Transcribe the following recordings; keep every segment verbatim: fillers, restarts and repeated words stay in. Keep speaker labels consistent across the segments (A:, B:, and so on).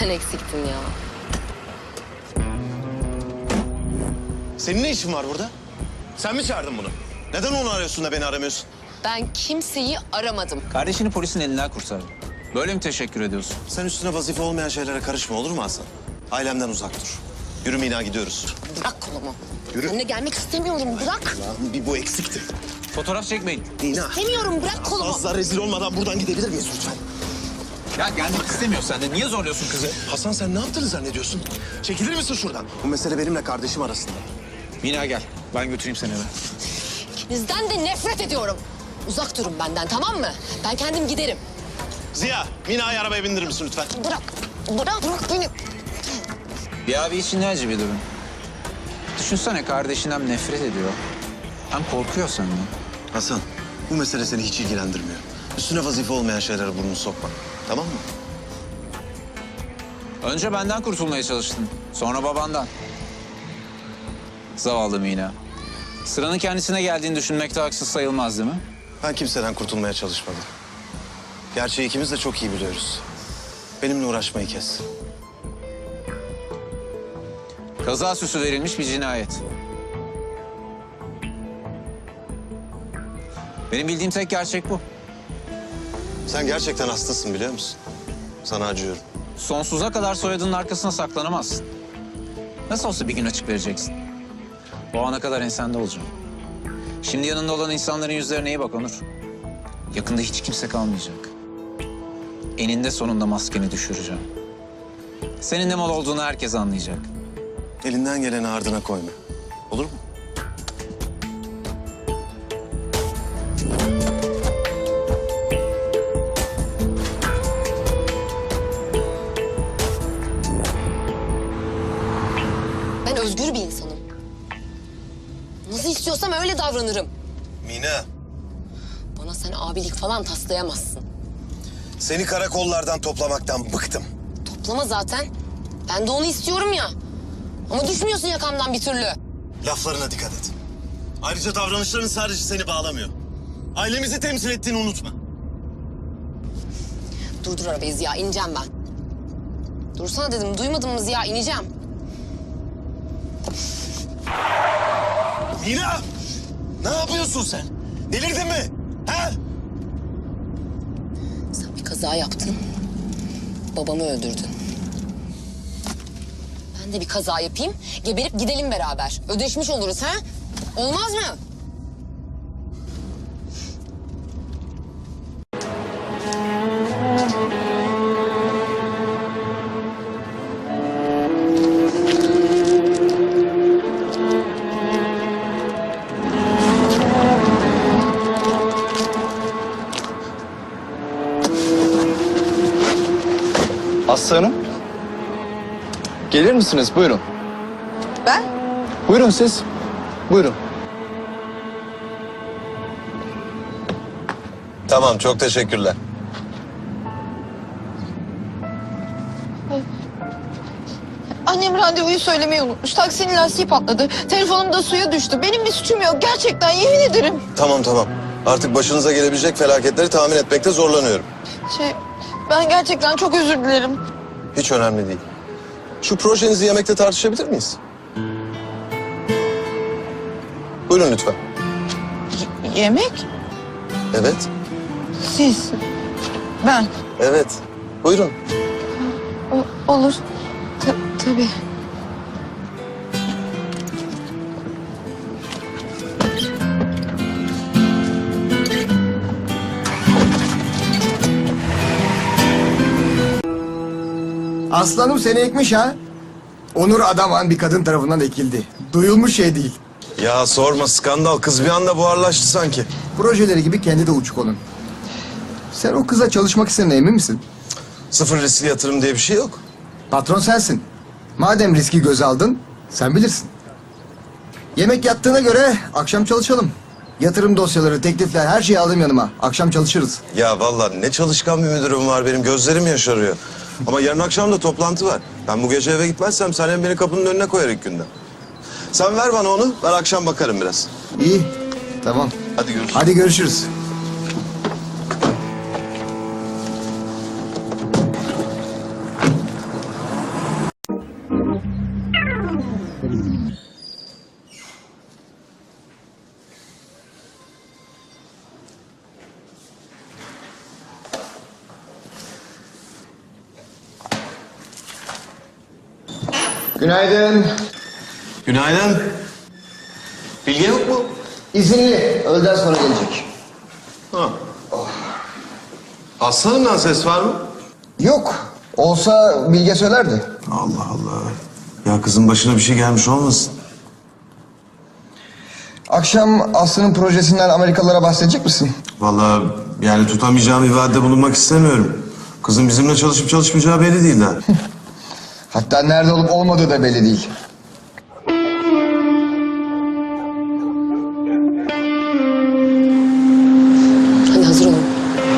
A: Sen eksiktin ya.
B: Senin ne işin var burada? Sen mi çağırdın bunu? Neden onu arıyorsun da beni aramıyorsun?
A: Ben kimseyi aramadım.
C: Kardeşini polisin elinden kurtardın. Böyle mi teşekkür ediyorsun?
B: Sen üstüne vazife olmayan şeylere karışma, olur mu Hasan? Ailemden uzak dur. Yürü Mina, gidiyoruz.
A: Bırak kolumu.
B: Yürü.
A: Seninle gelmek istemiyorum, bırak.
B: Lan bir bu eksikti.
C: Fotoğraf çekmeyin.
B: Mina.
A: İstemiyorum, bırak kolumu.
B: Fazla rezil olmadan buradan gidebilir miyiz lütfen?
C: Ya gelmek istemiyor sen de. Niye zorluyorsun kızı?
B: Hasan, sen ne yaptığını zannediyorsun? Çekilir misin şuradan? Bu mesele benimle kardeşim arasında.
C: Mina gel. Ben götüreyim seni eve.
A: İkinizden de nefret ediyorum. Uzak durun benden, tamam mı? Ben kendim giderim.
B: Ziya, Mina'yı arabaya bindirir misin lütfen?
A: Bırak, bırak, bırak beni.
C: Bir abi için ne acı bir durum. Düşünsene kardeşin hem nefret ediyor hem korkuyor senden.
B: Hasan, bu mesele seni hiç ilgilendirmiyor. Üstüne vazife olmayan şeylere burnunu sokma. Tamam mı?
C: Önce benden kurtulmaya çalıştın. Sonra babandan. Zavallı Mina. Sıranın kendisine geldiğini düşünmekte haksız sayılmaz değil mi?
B: Ben kimseden kurtulmaya çalışmadım. Gerçeği ikimiz de çok iyi biliyoruz. Benimle uğraşmayı kes.
C: Kaza süsü verilmiş bir cinayet. Benim bildiğim tek gerçek bu.
B: Sen gerçekten hastasın, biliyor musun? Sana acıyorum.
C: Sonsuza kadar soyadının arkasına saklanamazsın. Nasıl olsa bir gün açık vereceksin. O ana kadar ensende olacağım. Şimdi yanında olan insanların yüzlerine iyi bak Onur. Yakında hiç kimse kalmayacak. Eninde sonunda maskeni düşüreceğim. Senin ne mal olduğunu herkes anlayacak.
B: Elinden geleni ardına koyma. Olur mu?
A: Ben özgür bir insanım. Nasıl istiyorsam öyle davranırım.
B: Mina,
A: Bana sen abilik falan taslayamazsın.
B: seni karakollardan toplamaktan bıktım.
A: Toplama zaten. Ben de onu istiyorum ya. Ama düşmüyorsun yakamdan bir türlü.
B: Laflarına dikkat et. Ayrıca davranışların sadece seni bağlamıyor. Ailemizi temsil ettiğini unutma.
A: Durdur arabayı Ziya, ineceğim ben. Dursana dedim, duymadın mı Ziya? İneceğim.
B: Mina! Ne yapıyorsun sen? Delirdin mi? Ha?
A: Sen bir kaza yaptın. Babamı öldürdün. Ben de bir kaza yapayım, geberip gidelim beraber. Ödeşmiş oluruz ha? Olmaz mı?
D: Aslı Hanım. Gelir misiniz? Buyurun.
A: Ben?
D: Buyurun siz. Buyurun.
B: Tamam, çok teşekkürler.
E: Annem randevuyu söylemeyi unutmuş. Taksinin lastiği patladı. Telefonum da suya düştü. Benim bir suçum yok. Gerçekten yemin ederim.
B: Tamam tamam. Artık başınıza gelebilecek felaketleri tahmin etmekte zorlanıyorum.
E: Şey, ben gerçekten çok özür dilerim.
B: Hiç önemli değil. Şu projenizi yemekte tartışabilir miyiz? Buyurun lütfen.
E: Y- yemek?
B: Evet,
E: Siz. Ben.
B: evet. Buyurun.
E: O- olur. Ta- tabii.
F: Aslanım seni ekmiş ha. Onur Adaman bir kadın tarafından ekildi. Duyulmuş şey değil.
B: Ya sorma, skandal. Kız bir anda buharlaştı sanki.
F: Projeleri gibi kendi de uçuk onun. Sen o kıza çalışmak istediğine emin misin?
B: Sıfır riskli yatırım diye bir şey yok.
F: Patron sensin. Madem riski göze aldın, sen bilirsin. Yemek yattığına göre akşam çalışalım. Yatırım dosyaları, teklifler, her şeyi aldım yanıma. Akşam çalışırız.
B: Ya vallahi ne çalışkan bir müdürüm var benim. Gözlerim yaşarıyor. Ama yarın akşam da toplantı var. Ben bu gece eve gitmezsem sen hem beni kapının önüne koyar ilk günden. Sen ver bana onu, ben akşam bakarım biraz.
F: İyi, tamam.
B: Hadi görüşürüz.
F: Hadi görüşürüz. Günaydın.
B: Günaydın. Bilge yok mu?
F: İzinli. Öğleden sonra gelecek.
B: Ha. Aslanımdan ses var mı?
F: Yok. Olsa Bilge söylerdi.
B: Allah Allah. Ya kızın başına bir şey gelmiş olmasın?
F: Akşam Aslı'nın projesinden Amerikalılara bahsedecek misin?
B: Vallahi yani tutamayacağım bir vaatte bulunmak istemiyorum. Kızın bizimle çalışıp çalışmayacağı belli değil daha.
F: Hatta nerede olup olmadığı da belli değil.
A: Hadi hazır olun.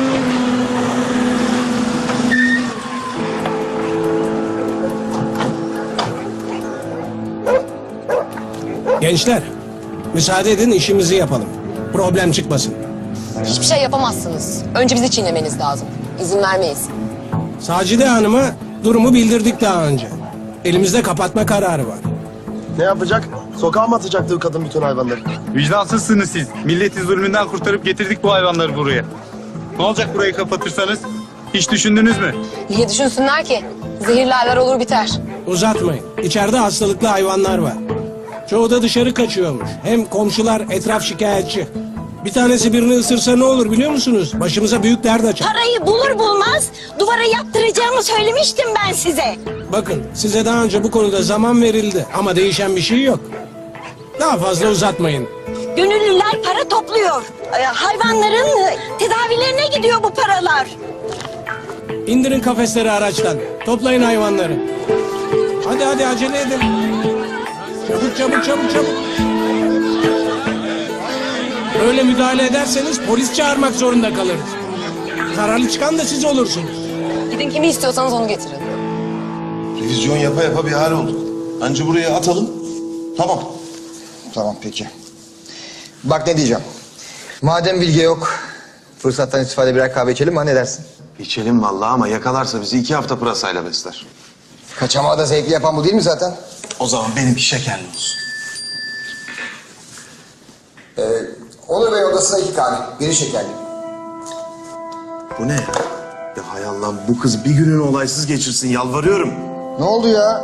G: Gençler, müsaade edin işimizi yapalım. Problem çıkmasın.
A: Hiçbir şey yapamazsınız. Önce bizi çiğnemeniz lazım. İzin vermeyiz.
G: Sacide Hanım'a durumu bildirdik daha önce. Elimizde kapatma kararı var.
H: Ne yapacak? Sokağa mı atacaktı bu kadın bütün hayvanları?
I: Vicdansızsınız siz. Milleti zulmünden kurtarıp getirdik bu hayvanları buraya. Ne olacak burayı kapatırsanız? Hiç düşündünüz mü?
A: Niye düşünsünler ki? Zehirlerler olur biter.
G: Uzatmayın. İçeride hastalıklı hayvanlar var. Çoğu da dışarı kaçıyormuş. Hem komşular etraf şikayetçi. Bir tanesi birini ısırsa ne olur biliyor musunuz? Başımıza büyük dert açar.
J: Parayı bulur bulmaz duvara yaptıracağımı söylemiştim ben size.
G: Bakın size daha önce bu konuda zaman verildi ama değişen bir şey yok. Daha fazla uzatmayın.
J: Gönüllüler para topluyor. Ee, Hayvanların e, tedavilerine gidiyor bu paralar.
G: İndirin kafesleri araçtan. Toplayın hayvanları. Hadi hadi acele edin. Çabuk çabuk çabuk çabuk. Böyle müdahale ederseniz polis çağırmak zorunda kalırız. Zararlı çıkan da siz olursunuz.
A: Gidin kimi istiyorsanız onu getirin.
B: Revizyon yapa yapa bir hal olduk. Anca buraya atalım. Tamam.
F: Tamam peki. Bak ne diyeceğim. Madem Bilge yok, fırsattan istifade birer kahve içelim mi? Ha, ne dersin?
B: İçelim vallahi ama yakalarsa bizi iki hafta pırasayla besler.
F: Kaçamağı da zevkli yapan bu değil mi zaten?
B: O zaman benimki şekerli olsun.
F: Ee, Onur Bey odasına iki kahve, biri şekerli.
B: Bu ne ya? Ya hay Allah'ım bu kız bir gününü olaysız geçirsin yalvarıyorum.
F: Ne oldu ya?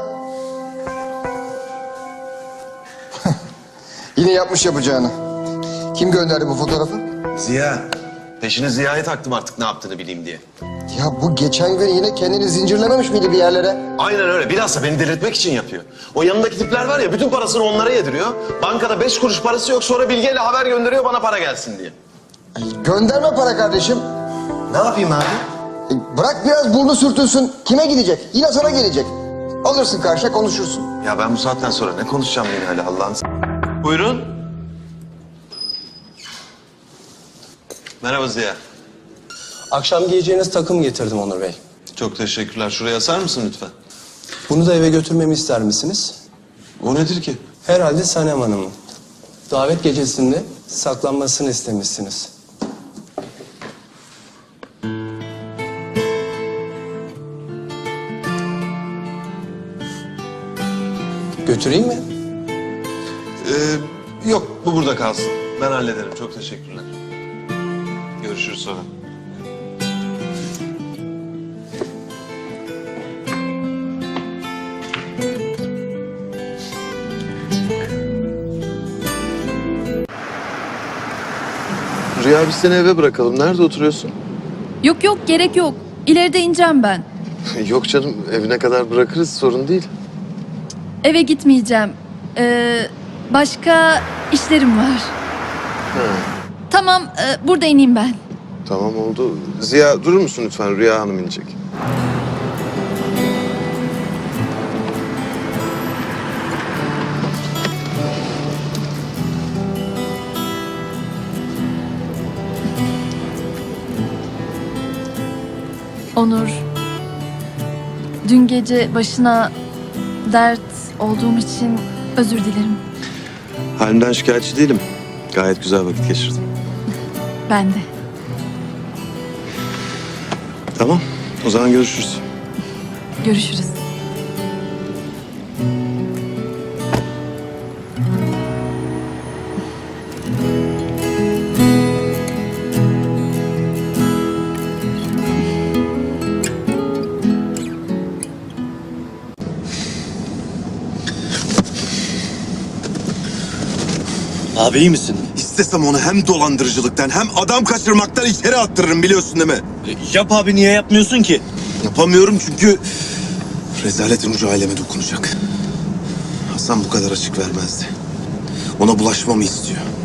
F: Yine yapmış yapacağını. Kim gönderdi bu fotoğrafı?
B: Ziya. Peşine Ziya'yı taktım artık ne yaptığını bileyim diye.
F: Ya bu geçen gün yine kendini zincirlememiş miydi bir yerlere?
B: Aynen öyle. Bilhassa beni delirtmek için yapıyor. O yanındaki tipler var ya bütün parasını onlara yediriyor. Bankada beş kuruş parası yok sonra Bilge'yle haber gönderiyor bana para gelsin diye.
F: Ay, gönderme para kardeşim.
B: Ne yapayım abi?
F: E, bırak biraz burnu sürtünsün. Kime gidecek? Yine sana gelecek. Alırsın karşıya konuşursun.
B: Ya ben bu saatten sonra ne konuşacağım yine hala Allah'ın... Buyurun. Merhaba Ziya.
K: Akşam giyeceğiniz takım getirdim Onur Bey.
B: Çok teşekkürler. Şuraya asar mısın lütfen?
K: Bunu da eve götürmemi ister misiniz?
B: O nedir ki?
K: Herhalde Sanem Hanım'ın. Davet gecesinde saklanmasını istemişsiniz. Götüreyim mi?
B: Ee, yok bu burada kalsın. Ben hallederim. Çok teşekkürler. Görüşürüz sonra. Rüya biz seni eve bırakalım. Nerede oturuyorsun?
L: Yok yok gerek yok. İleride ineceğim ben.
B: Yok canım evine kadar bırakırız sorun değil.
L: Eve gitmeyeceğim. Ee, başka işlerim var.
B: Ha,
L: Tamam e, burada ineyim ben.
B: tamam oldu. Ziya durur musun lütfen? Rüya Hanım inecek.
L: Onur. Dün gece başına dert olduğum için özür dilerim.
B: Halimden şikayetçi değilim. Gayet güzel vakit geçirdim.
L: Ben de.
B: Tamam. O zaman görüşürüz.
L: Görüşürüz.
M: Abi iyi misin?
B: İstesem onu hem dolandırıcılıktan hem adam kaçırmaktan içeri attırırım biliyorsun değil mi?
M: E, yap abi, niye yapmıyorsun ki?
B: Yapamıyorum çünkü rezaletin ucu aileme dokunacak. Hasan bu kadar açık vermezdi. Ona bulaşmamı istiyor.